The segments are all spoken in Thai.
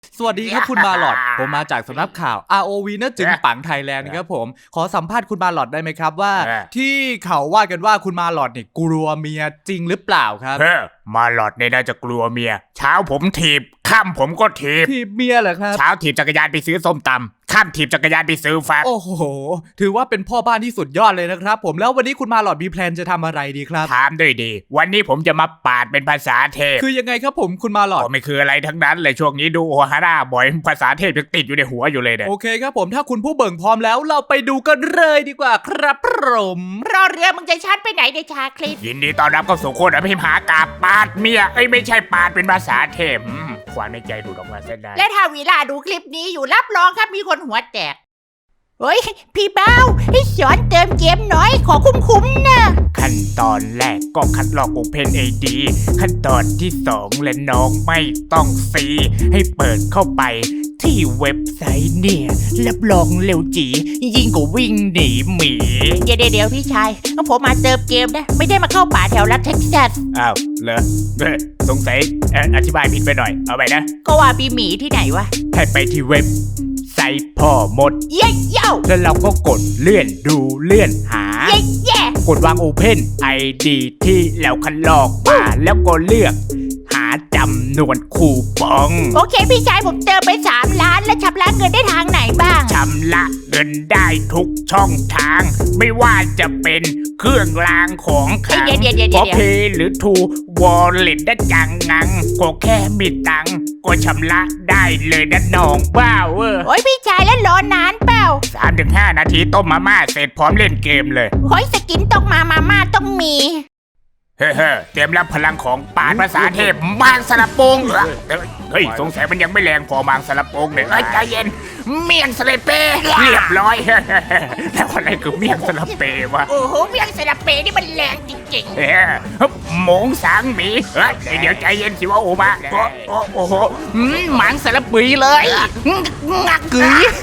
สวัสดีครับคุณมาหลอดผมมาจากสำนักข่าว ROV นะจึงปังไทยแลนด์ครับผมขอสัมภาษณ์คุณมาหลอดได้ไหมครับว่าที่เขาว่ากันว่าคุณมาหลอดเนี่ยกลัวเมียจริงหรือเปล่าครับมาหลอดเนี่ยน่าจะกลัวเมียเช้าผมถีบค่ำผมก็ถีบเมียเหรอครับเช้าถีบจักรยานไปซื้อส้มตำค่ำถีบจักรยานไปซื้อแฟบโอ้โหถือว่าเป็นพ่อบ้านที่สุดยอดเลยนะครับผมแล้ววันนี้คุณมาหลอดมีแพลนจะทำอะไรดีครับถามด้วยดีวันนี้ผมจะมาปาดเป็นภาษาเทพคือยังไงครับผมคุณมาหลอดก็ไม่คืออะไรทั้งนั้นเลยช่วงนี้ดูโอฮาร่าบ่อยภาษาเทพยังติดอยู่ในหัวอยู่เลยเนี่ยโอเคครับผมถ้าคุณผู้เบิ่งพร้อมแล้วเราไปดูกันเลยดีกว่าครับผมรอเรือมึงจะชัดไปไหนในชาคลิปยินดีต้อนรับเข้าสู่โคตรอภิมหากาปาดเมียไม่ใช่ปาดเป็นภาษาเทพความในใจดูดออกมาเส้นได้และถ้าวีลาดูคลิปนี้อยู่รับรองครับมีคนหัวแตกเฮ้ยพี่เบ้าให้สอนเติมเกมหน่อยขอคุ้มๆนะขั้นตอนแรกก็คัดลอก OpenID ขั้นตอนที่2และน้องไม่ต้องซีให้เปิดเข้าไปที่เว็บไซต์เนี่ยรับรองเร็วจียิ่งกว่าวิ่งหนีหมีเดี๋ยวพี่ชายผมมาเติมเกมนะไม่ได้มาเข้าป่าแถวรัฐเท็กซัสอ้าวเหรอสงสัยอธิบายผิดไปหน่อยเอาไปนะก็ว่ามีหมีที่ไหนวะให้ไปที่เว็บไซต์พ่อมดเย้แล้วเราก็กดเลื่อนดูเลื่อนหาเย้กดวาง OpenID ที่แล้วคัดลอกมาแล้วก็เลือกหาจำนวนคูปองโอเคพี่ชายผมเติมไป3 ล้านแล้วชำระเงินได้ทางไหนบ้างชำระเงินได้ทุกช่องทางไม่ว่าจะเป็นเครื่องรางของขลังพอเพหรือทูวอลเล็ตได้จังงังก็แค่มีตังก็ชำระได้เลยนะน้องบ้าโอ้ยพี่ชายแล้วรอนานเปล่า 3-5 นาทีต้มมาม่าเสร็จพร้อมเล่นเกมเลยโอ้ยสกินต้องมาม่าต้องมีเตรียมรับพลังของปาดภาษาเทพบางสลับโปงเหรอเฮ้ยสงสัยมันยังไม่แรงพอบางสลับโปงเลยใจเย็นเมี่ยงสลับเปเรียบร้อยแล้วอะไรคือเมี่ยงสลับเปวะโอ้โหเมี่ยงสลับเปนี่มันแรงจริงๆหมงสางหมีเดี๋ยวใจเย็นสิว่าโอมาโอ้โหหมังสลับปีเลยงักกึ๋ย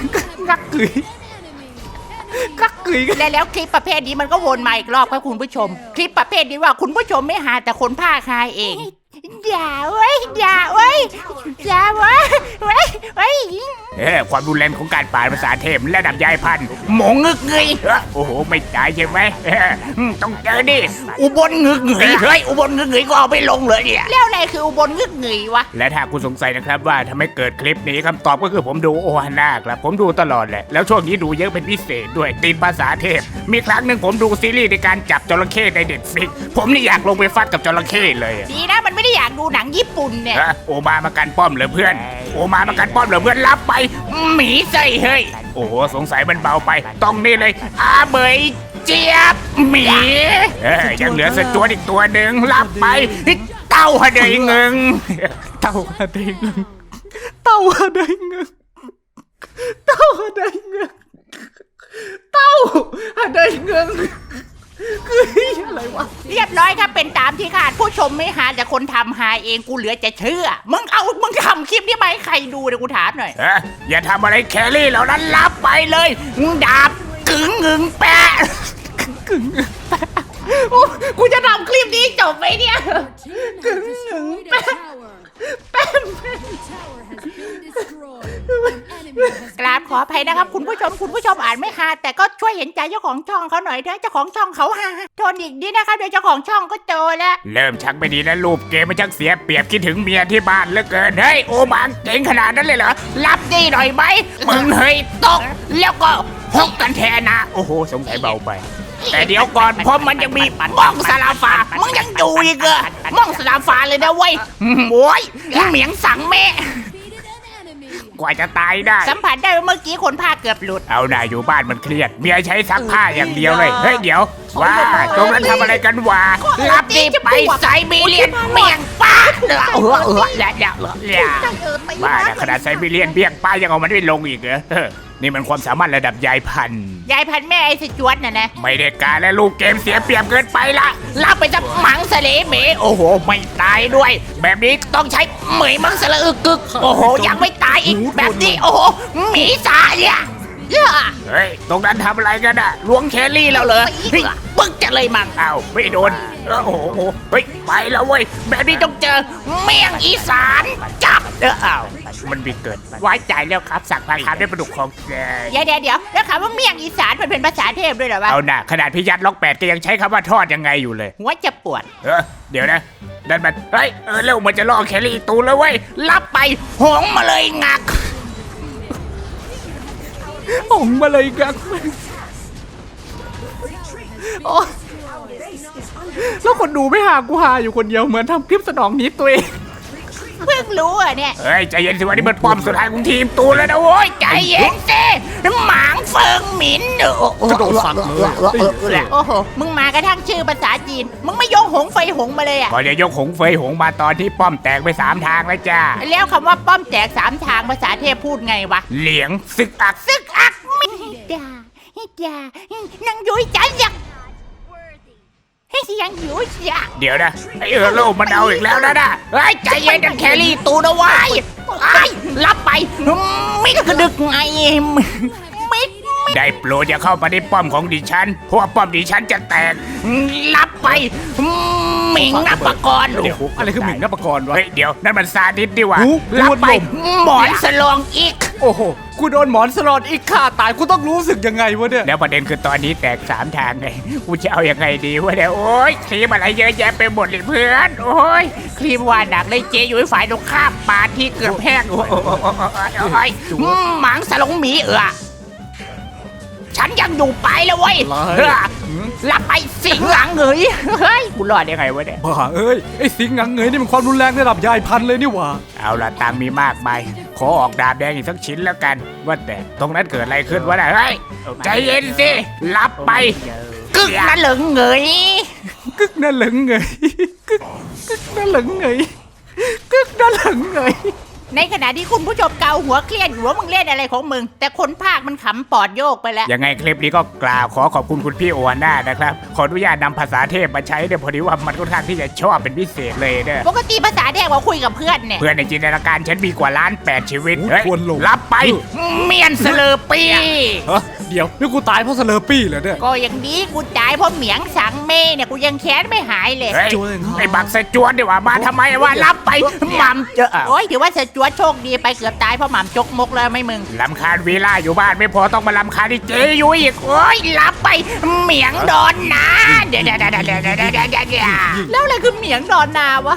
แล้วคลิปประเภทนี้มันก็วนมาอีกรอบครับคุณผู้ชมคลิปประเภทนี้ว่าคุณผู้ชมไม่หาแต่คนภาคหาเองอย่าเว้ยความรุนแรงของการปาดภาษาเทพระดับยายพันธุ์หมงงึกเงยโอ้โหไม่ตายใช่ไหมต้องเจอดิอุบลงึกเงยเฮ้ยอุบลงึกเงยก็เอาไปลงเลยเนี่ยแล้วอะไรคืออุบลงึกเงยวะและถ้าคุณสงสัยนะครับว่าทำไมเกิดคลิปนี้คำตอบก็คือผมดูโอฮาน่าครับผมดูตลอดแหละแล้วช่วงนี้ดูเยอะเป็นพิเศษด้วยติดภาษาเทพมีครั้งหนึ่งผมดูซีรีส์ในการจับจระเข้ในเด็ดฟิกผมนี่อยากลงไปฟัดกับจระเข้เลยดีนะมันไม่ได้อยากดูหนังญี่ปุ่นเนี่ยโอมามากันป้อมเหรอเพื่อนโอมากันป้อมเหรอเพื่อนรับไปหมีใส่เฮ้ยโอ้โหสงสัยมันเบาไปต้องนี่เลยอาเบยเจี๊ยบหมียังเหลือสจวดอีกตัวหนึ่งรับไปเต้าฮะเดยเงิงเต้าฮะเดยเงิงคืออะไรวะเรียบร้อยครับเป็นตามที่คาดผู้ชมไม่หาแต่คนทำหาเองกูเหลือจะเชื่อมึงทำคลิปนี้มาให้ใครดูเดี๋ยวกูถามหน่อยอย่าทำอะไรแครี่เหล่านั้นรับไปเลยดาบกึ๋งงึงแปะกูจะทำคลิปนี้จบไหมเนี่ยกึ๋งงึงแปะกราบขออภัยนะครับคุณผู้ชมอ่านไม่ฮาแต่ก็ช่วยเห็นใจเจ้าของช่องเขาหน่อยเถอะเจ้าของช่องเขาฮาโทนอีกนิดนะครับเดี๋ยวเจ้าของช่องก็โตแล้วเริ่มชักไม่ดีแล้วรูปเกมมันชักเสียเปรียบคิดถึงเมียที่บ้านเหลือเกินเฮ้ยโอบางเก่งขนาดนั้นเลยเหรอรับดีหน่อยไหมมึงเฮ้ยตกแล้วก็ฮกกันแทนนะโอ้โหสงสัยเบาไปแต่เดี๋ยวก่อนเพราะมันยังมีม่องสลาฟ้ามึงยังอยู่อีกเหรอม่องสลาฟ้าเลยนะเว้ยโว้ยเหมียงสั่งแม่กว่าจะตายได้สัมผัสได้เมื่อกี้คนผ้าเกือบหลุดเอาหน่าอยู่บ้านมันเครียดเมียใช้ซักผ้าอย่างเดียวเลยเฮ้ยเดี๋ยวว่าตรงนั้นทำอะไรกันวะรับดีไปไซบีเรียนเมี่ยงป้าแล้วบ้าขนาดไซบีเรียนเบี้ยงป้ายังเอามันไม่ลงอีกเหรอนี่มันความสามารถระดับยายพันธุ์แม่ไอ้สจวดน่ะนะไม่ได้การและลูกเกมเสียเปรียบเกินไปละรับไปจะหมังสเลเหมโอ้โหไม่ตายด้วยแบบนี้ต้องใช้เหมยมังสละอึกกึกโอ้โหยังไม่ตายอีกแบบนี้โอ้โหหมีสาเนี่ยเฮ้ยตรงนั้นทำอะไรกันอะล้วงแครี่แล้วเหรอปึ๊กจะเลยมังอ้าวไม่โดนโอ้โหเฮ้ยไปแล้วเว้ยแบบนี้ต้องเจอเมี่ยงอีสานจับอ้าวมันมีเกินไปไว้ใจแล้วครับสั่งผัดขามด้วยปลาดุกของแกเดี๋ยวแล้วคำว่าเมี่ยงอีสานมันเป็นภาษาเทพด้วยเหรอวะเอาหน่าขนาดพี่ยัดล็อก8ก็ยังใช้คำว่าทอดยังไงอยู่เลยหัวจะปวดเดี๋ยวนะนั่นมันเฮ้ยเร็วมันจะล่อแครี่อีกตูนแล้วเว้ยรับไปหงมาเลยงักหงมาเลยกักโอ้แล้วคนดูไม่หากูหาอยู่คนเดียวเหมือนทำคลิปสนองนิดตัวเองเพิ่งรู้อ่ะเนี่ยเฮ้ยใจเย็นสิวันนี้มันป้อมสุดท้ายของทีมตูนแล้วนะโว้ยใจเย็นสิหมางเฟิงหมินกระโดดสัตว์เลยโอ้โหมึงมากระทั่งชื่อภาษาจีนมึงไม่ยกหงไฟหงมาเลยอ่ะก่อนจะยกหงเฟยหงมาตอนที่ป้อมแตกไป3ทางแล้วจ้าแล้วคำว่าป้อมแตก3ทางภาษาเทพพูดไงวะเหลียงซึกอักซึกอักไม่ด่านังยุ้ยจ๋าอยากให้ยังยุ้ยอยากเดี๋ยวนะไอโลมันเอาอีกแล้วนะเฮ้ยใจเย็นกันแครี่ตูนเอาไว้ไอ้รับไปมิกระดึกไงมิก ได้โปรดอย่าเข้ามาในป้อมของดิฉันเพราะว่าป้อมดิฉันจะแตกรับไปหมิงนับปกรณ์เดี๋ยวอะไรคือหมิงนับประกรณ์วะเฮ้ยเดี๋ยวนั่นมันซาดิสดีว่ะหูรับไปหูหลงหมอนสลองอีกโอ้โหกูโดนหมอนสลอดอีกฆ่าตายกูต้องรู้สึกยังไงวะเนี่ยแล้วประเด็นคือตอนนี้แตก3ทางไงกูจะเอายังไงดีวะเนี่ยโอ๊ยครีมอะไรเยอะแยะไปหมดเลยเพื่อนโอ๊ยครีมว่าหนักเลยเจอยู่ฝ่ายตรงข้ามปาดที่เกือบแห้งโอ้ยหมังสลงหมีฉันยังอยู่ไปแล้วเว้ยรับไปสิงหลังเหยเฮ้ยกูรอดได้ไงวะเนี่ยบ้าเอ้ยไอ้สิงห์หงังเงยนี่มันความรุนแรงระดับยายพันธุ์เลยนี่หว่าเอาละตังค์มีมากมายขอออกดาบแดงอีกสักชิ้นแล้วกันว่าแต่ตรงนั้นเกิดอะไรขึ้นวะเนี่ยเฮ้ยใจเย็นสิรับไปกึกนั่นเหลิงเหยกึกนั่นเหลิงเงยกึกนั่นเหลิงเงยกึกนั่นเหลิงเงยในขณะที่คุณผู้ชมเกาหัวเครียดอยู่ว่ามึงเล่นอะไรของมึงแต่คนภาคมันขำปอดโยกไปแล้วยังไงคลิปนี้ก็กล่าวขอขอบคุณคุณพี่โอวาน่านะครับขออนุญาตนำภาษาเทพมาใช้เนี่ยพอดีว่ามันค่อนข้างที่จะชอบเป็นพิเศษเลยเนี่ยปกติภาษาเทพว่าคุยกับเพื่อนเนี่ยเพื่อนในจินตนาการฉันมีกว่า1,800,000ชีวิตเฮ้ยควรลงรับไปเมียนเสลอปีฮะเดี๋ยวนี่กูตายเพราะสเลอร์ปี้เหรอเนี่ยก็อย่างนี้กูจ่ายเพราะเหมียงสังเมเนี่ยกูยังแค้นไม่หายเลยเฮ้ยจวนครับไอ้บักสะจวนดีกว่ามาทำไมวะรับไปหมัมเจอโอ้ยถือว่าเสจวดโชคดีไปเกือบตายเพราะหม่ำจกมกแล้วไม่มึงลำคาญวีล่าอยู่บ้านไม่พอต้องมาลำคาญที่เจยุ้ยอีกโอ้ยรับไปเหมียงโดนนะเดี๋ยวแล้วอะไรคือเหมียงดอนนาวะ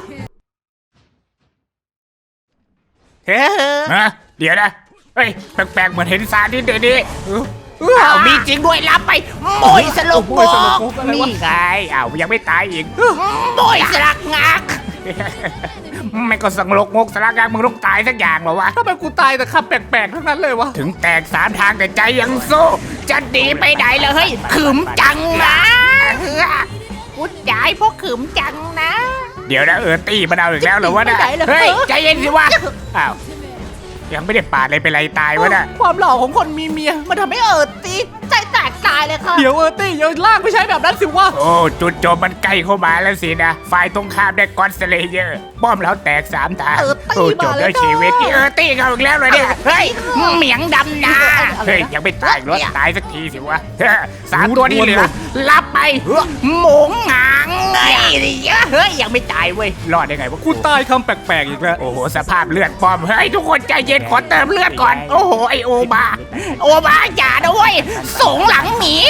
ฮะเดี๋ยวนะเฮ้ยแปลกๆเหมือนเห็นซาดิสเดี๋ยวนี้อ้าวมีจริงด้วยรับไปโมยสลบโบกนี่ไงอ้าวยังไม่ตายอีกโมยสลักงักไม่ก็สังลกงกสลักงักมึงต้องตายสักอย่างเหรอวะทำไมกูตายแต่คำแปลกๆทั้งนั้นเลยวะถึงแตก3ทางแต่ใจยังสู้จะหนีไปไหนเลยเฮ้ยขึมจังนะกูจ่ายเพราะขืมจังนะเดี๋ยวนะตี้มันเอาอีกแล้วเหรอวะเนี่ยไม่ได้เลยเฮ้ยใจเย็นสิวะอ้าวยังไม่ได้ปาดเลยเป็นไรตายวะเนี่ยความหล่อของคนมีเมียมันทำให้ตีใจแตกตายเลยค่ะเดี๋ยวตี้อย่าลากไม่ใช่แบบนั้นสิวะโอ้จุดโจมมันใกล้เข้ามาแล้วสินะฝ่ายตรงข้ามได้ก้อนสเลเยอร์ป้อมแล้วแตก3ทางโอ้จบด้วยชีวิตตี้เขาอีกแล้วเลยเนี่ยเฮ้ยเหมียงดำนาเฮ้ยยังไม่ตายรถตายสักทีสิวะ3ตัวนี้เหลือรับไปหมงหางไงเฮ้ยยังไม่ตายเว้ยรอดได้ไงวะกูตายคำแปลกๆอีกแล้วโอ้โหสภาพเลือดป้อมเฮ้ยทุกคนใจเย็นขอเติมเลือดก่อนโอ้โหไอโอบาอย่านะเว้ยสงหลังหมี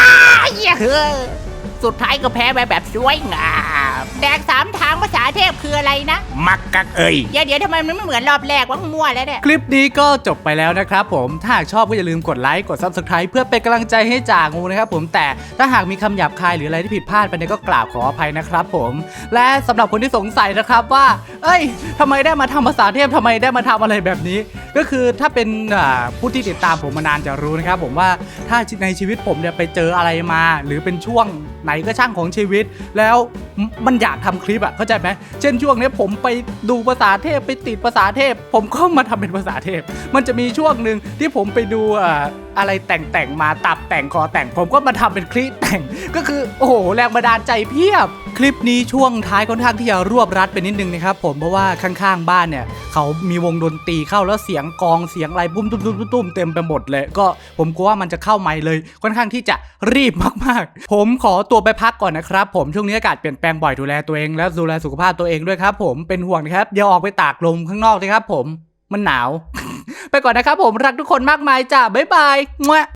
สุดท้ายก็แพ้ไปแบบสวยงามแดก3ทางภาษาเทพคืออะไรนะมักกักเอ้ยเดี๋ยวทำไมมันไม่เหมือนรอบแรกวะมั่วแล้วเนี่ยคลิปนี้ก็จบไปแล้วนะครับผมถ้าหากชอบก็อย่าลืมกดไลค์กด Subscribe เพื่อเป็นกำลังใจให้จ่างูนะครับผมแต่ถ้าหากมีคำหยาบคายหรืออะไรที่ผิดพลาดไปเนี่ยก็กราบขออภัยนะครับผมและสำหรับคนที่สงสัยนะครับว่าเอ้ยทำไมได้มาทำภาษาเทพทำไมได้มาทำอะไรแบบนี้ ก็คือถ้าเป็นผู้ที่ติดตามผมมานานจะรู้นะครับผมว่าถ้าในชีวิตผมเนี่ยไปเจออะไรมาหรือเป็นช่วงไหนก็ช่างของชีวิตแล้วมันอยากทำคลิปอ่ะเข้าใจไหมเช่นช่วงนี้ผมไปดูภาษาเทพไปติดภาษาเทพผมก็มาทำเป็นภาษาเทพมันจะมีช่วงหนึ่งที่ผมไปดูอะไรแต่งมาตับแต่งคอแต่งผมก็มาทำเป็นคลิปแต่งก็คือโอ้โหแรงบันดาลใจเพียบคลิปนี้ช่วงท้ายค่อนข้างที่จะรวบรัดไปนิดนึงนะครับผมเพราะว่าข้างๆบ้านเนี่ยเขามีวงดนตรีเข้าแล้วเสียงกองเสียงอะไรปุ้มตุ้มเต็มไปหมดเลยก็ผมกลัวว่ามันจะเข้าไมค์เลยค่อนข้างที่จะรีบมากๆผมขอตัวไปพักก่อนนะครับผมช่วงนี้อากาศเปลี่ยนแปลงบ่อยดูแลตัวเองและดูแลสุขภาพตัวเองด้วยครับผมเป็นห่วงนะครับอย่าออกไปตากลมข้างนอกนะครับผมมันหนาว ไปก่อนนะครับผมรักทุกคนมากมายจ้าบ๊ายบาย